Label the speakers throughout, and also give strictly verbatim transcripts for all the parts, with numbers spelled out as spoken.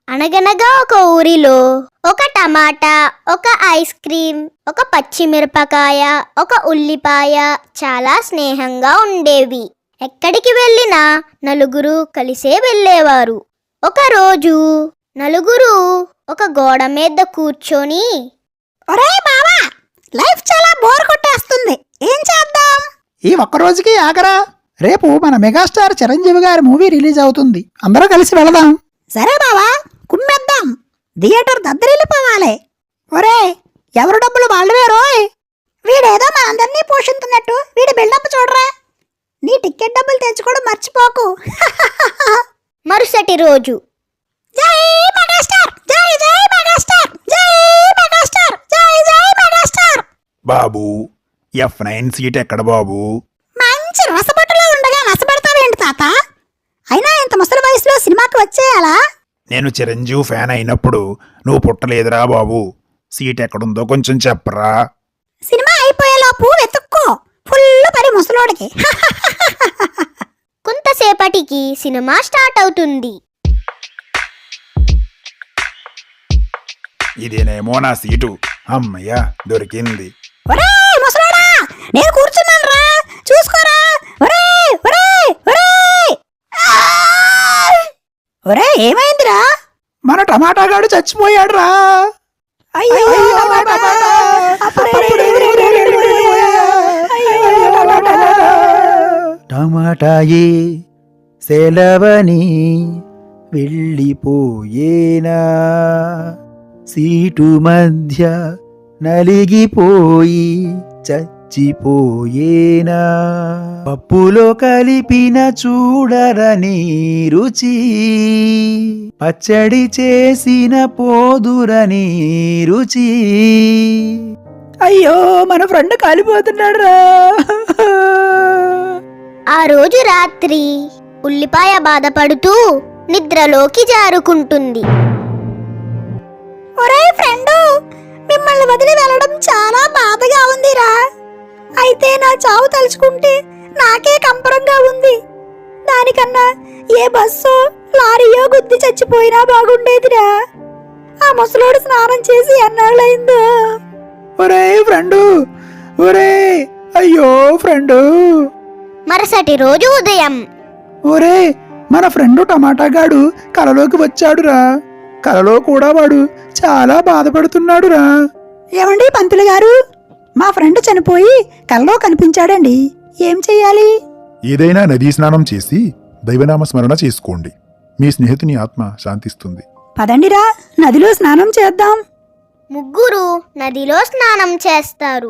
Speaker 1: అనగనగా ఒక ఊరిలో ఒక టమాటా, ఒక ఐస్ క్రీమ్, ఒక పచ్చిమిరపకాయ, ఒక ఉల్లిపాయ చాలా స్నేహంగా ఉండేవి. ఎక్కడికి వెళ్ళినా నలుగురు కలిసే వెళ్ళేవారు. ఒకరోజు నలుగురు ఒక గోడ మీద కూర్చొని,
Speaker 2: ఒరే బావా, లైఫ్ చాలా బోర్ కొట్టేస్తుంది, ఏం చేద్దాం?
Speaker 3: ఈ ఒక్కరోజుకి ఆగరా, రేపు మన మెగాస్టార్ చిరంజీవి గారి మూవీ రిలీజ్ అవుతుంది, అందరూ కలిసి వెళదాం.
Speaker 2: సరే బావా, కుమ్మేద్దాం. థియేటర్ దద్దరిల్లిపోవాలి. ఒరే, ఎవరు డబ్బులు వాళ్ళవే రోయ్. వీడేదో మనందరినీ పోషిస్తున్నట్టు వీడి బిల్డప్ చూడరా. నీ టికెట్ డబ్బులు తెచ్చుకోవడం మర్చిపోకు.
Speaker 1: మరుసటి రోజు
Speaker 2: జై మెగాస్టార్, జై జై మెగాస్టార్, జై మెగాస్టార్, జై జై మెగాస్టార్.
Speaker 4: బాబు, ఎఫ్ నైన్ సీట్ ఎక్కడ బాబు?
Speaker 2: మంచి రసబట్టులో ఉండగా నసబెడతావేంటి తాత? అయినా ఇంత ముసలి వయసులో సినిమాకి వచ్చేయాలా?
Speaker 4: నేను చిరంజీవి ఫ్యాన్ అయినప్పుడు నువ్వు పుట్టలేదురా బాబు. సీట్ ఎక్కడుందో కొంచెం చెప్పరా.
Speaker 2: సినిమా అయిపోయేలోపు వెతుక్కో, ఫుల్ పని ముసలోడికి.
Speaker 1: కొంతసేపటికి సినిమా స్టార్ట్ అవుతుంది.
Speaker 4: ఇదేనేమో నా సీటు. అమ్మయ్యా, దొరికింది.
Speaker 2: ఒరే ముసలోడా, నేను కూర్చున్నాను రా, చూసుకోరా. ఒరే ఒరే ఒరే ఒరే, ఏమైందిరా?
Speaker 3: మన టమాటా గాడు చచ్చిపోయాడు రా.
Speaker 2: అయ్యో టమాటా.
Speaker 3: టమాటాయే సెలవని వెళ్ళిపోయేనా, సీటు మధ్య నలిగిపోయి చచ్చిపోయేనా, పప్పులో కలిపిన చూడరని రుచి, పచ్చడి చేసిన పోదురని రుచి. అయ్యో, మన ఫ్రెండ్ కాలిపోతున్నాడు రా.
Speaker 1: ఆ రోజు రాత్రి ఉల్లిపాయ బాధపడుతూ నిద్రలోకి జారుకుంటుంది.
Speaker 2: ఒరే ఫ్రెండు, మిమ్మల్ని వదిలి వెళ్ళడం చాలా బాధగా ఉందిరా. అయితే నా చావు తలుచుకుంటే నాకే కంపరంగా ఉంది. దానికన్నా ఏ బస్సో లారీయో గుద్ది చచ్చిపోయినా బాగుండేదిరా. ఆ ముసలోడు స్నానం చేసి ఎన్నాళ్ళయిందో.
Speaker 3: ఒరే ఫ్రెండు, ఒరే, అయ్యో ఫ్రెండు.
Speaker 1: మరుసటి రోజు ఉదయం
Speaker 3: ఒరే, మన ఫ్రెండు టమాటా గాడు కలలోకి వచ్చాడురా. కలలో కూడా వాడు చాలా బాధపడుతున్నాడురా.
Speaker 2: ఏమండి పంతులు గారు, మా ఫ్రెండ్ చనిపోయి కల్లో కనిపించాడండి, ఏం చెయ్యాలి?
Speaker 4: ఏదైనా నదీ స్నానం చేసి దైవనామ స్మరణ చేసుకోండి. మీ స్నేహితుని ఆత్మ శాంతిస్తుంది.
Speaker 2: పదండిరా, నదిలో స్నానం చేద్దాం.
Speaker 1: ముగ్గురు నదిలో స్నానం చేస్తారు.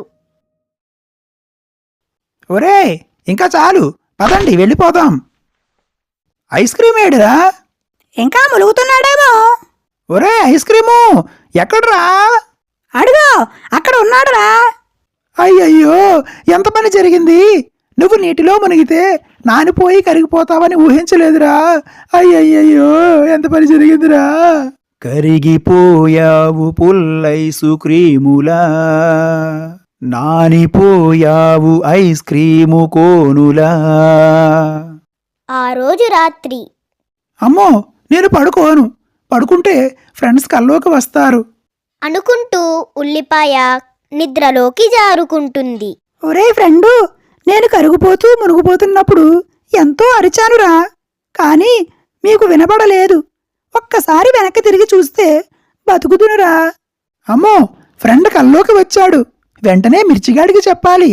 Speaker 3: ఒరే, ఇంకా చాలు, పదండి వెళ్ళిపోదాం. ఐస్ క్రీమ్ ఏడురా?
Speaker 2: ఇంకా ములుగుతున్నాడేమో.
Speaker 3: ఒరే, ఐస్ క్రీము ఎక్కడ్రా?
Speaker 2: అడుగో, అక్కడ ఉన్నాడురా.
Speaker 3: అయ్యయ్యో, ఎంత పని జరిగింది. నువ్వు నీటిలో మునిగితే నానిపోయి కరిగిపోతావని ఊహించలేదురా. అయ్యయ్యో, ఎంత పని జరిగిందిరా. కరిగిపోయావు పుల్లైసు క్రీములా, నానిపోయావు ఐస్ క్రీము కోనులా.
Speaker 1: ఆ రోజు రాత్రి
Speaker 3: అమ్మో, నేను పడుకోను. పడుకుంటే ఫ్రెండ్స్ కల్లోకి వస్తారు
Speaker 1: అనుకుంటూ ఉల్లిపాయ నిద్రలోకి జారుకుంటుంది.
Speaker 2: ఒరే ఫ్రెండు, నేను కరుగుపోతూ మునుగుపోతున్నప్పుడు ఎంతో అరిచానురా, కానీ మీకు వినపడలేదు. ఒక్కసారి వెనక్కి తిరిగి చూస్తే బతుకుదునురా.
Speaker 3: అమ్మో, ఫ్రెండ్ కల్లోకి వచ్చాడు. వెంటనే మిర్చిగాడికి చెప్పాలి.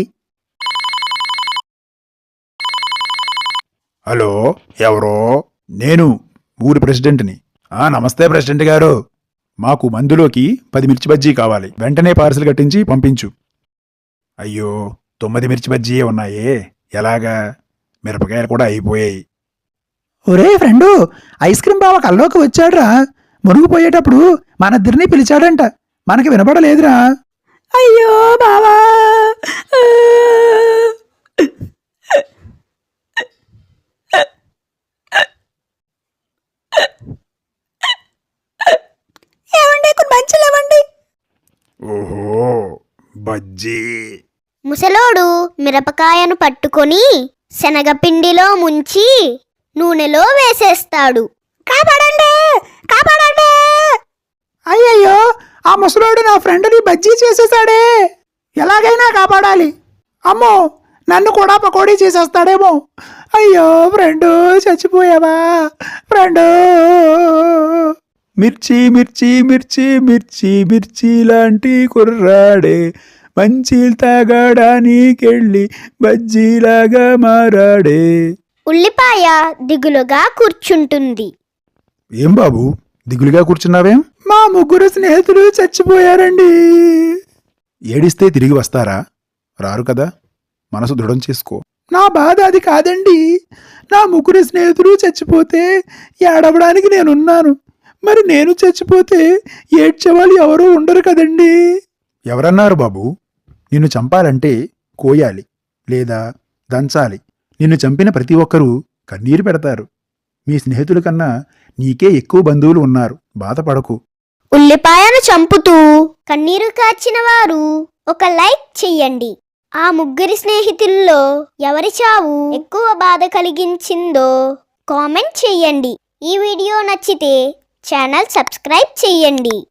Speaker 4: హలో, ఎవరో? నేను ఊరి ప్రెసిడెంట్ని. ఆ నమస్తే ప్రెసిడెంట్ గారు. మాకు మందులోకి పది మిర్చి బజ్జీ కావాలి. వెంటనే పార్సిల్ కట్టించి పంపించు. అయ్యో, తొమ్మిది మిర్చి బజ్జీయే ఉన్నాయే, ఎలాగా? మిరపకాయలు కూడా అయిపోయాయి.
Speaker 3: ఒరే ఫ్రెండు, ఐస్ క్రీమ్ బావ కల్లోకి వచ్చాడురా. మునిగిపోయేటప్పుడు మనిద్దరినీ పిలిచాడంట, మనకి వినపడలేదురా.
Speaker 2: అయ్యో బావా. ఏమండి, కొన్ని మంచులు ఇవ్వండి.
Speaker 4: ఓహో, బజ్జీ.
Speaker 1: ముసలోడు మిరపకాయను పట్టుకొని శనగపిండిలో ముంచి నూనెలో వేసేస్తాడు.
Speaker 2: కాపాడండి, కాపాడండి.
Speaker 3: ఆ ముసలోడు నా ఫ్రెండ్ని బజ్జీ చేసేసాడే. ఎలాగైనా కాపాడాలి. అమ్మో, నన్ను కూడా పకోడీ చేసేస్తాడేమో. అయ్యో ఫ్రెండు, చచ్చిపోయావా ఫ్రెండు?
Speaker 4: మిర్చి మిర్చి మిర్చి మిర్చి మిర్చి లాంటి కుర్రాడే మంచి తాగడానికెళ్ళి బజ్జీలాగా మారాడే.
Speaker 1: ఉల్లిపాయ దిగులుగా కూర్చుంటుంది.
Speaker 4: ఏం బాబు దిగులుగా కూర్చున్నావేం?
Speaker 3: మా ముగ్గురు స్నేహితులు చచ్చిపోయారండి.
Speaker 4: ఏడిస్తే తిరిగి వస్తారా? రారు కదా, మనసు దృఢం చేసుకో.
Speaker 3: నా బాధ అది కాదండి. నా ముగ్గురు స్నేహితులు చచ్చిపోతే ఏడవడానికి నేనున్నాను. మరి నేను చచ్చిపోతే ఏడ్చేవాళ్ళు ఎవరూ ఉండరు కదండి.
Speaker 4: ఎవరన్నారు బాబు? నిన్ను చంపాలంటే కోయాలి లేదా దంచాలి. నిన్ను చంపిన ప్రతి ఒక్కరూ కన్నీరు పెడతారు. మీ స్నేహితుల కన్నా నీకే ఎక్కువ బంధువులు ఉన్నారు. బాధపడకు.
Speaker 1: ఉల్లిపాయను చంపుతూ కన్నీరు కార్చిన వారు ఒక లైక్ చెయ్యండి. ఆ ముగ్గురి స్నేహితుల్లో ఎవరి చావు ఎక్కువ బాధ కలిగించిందో కామెంట్ చెయ్యండి. ఈ వీడియో నచ్చితే ఛానల్ సబ్స్క్రైబ్ చెయ్యండి.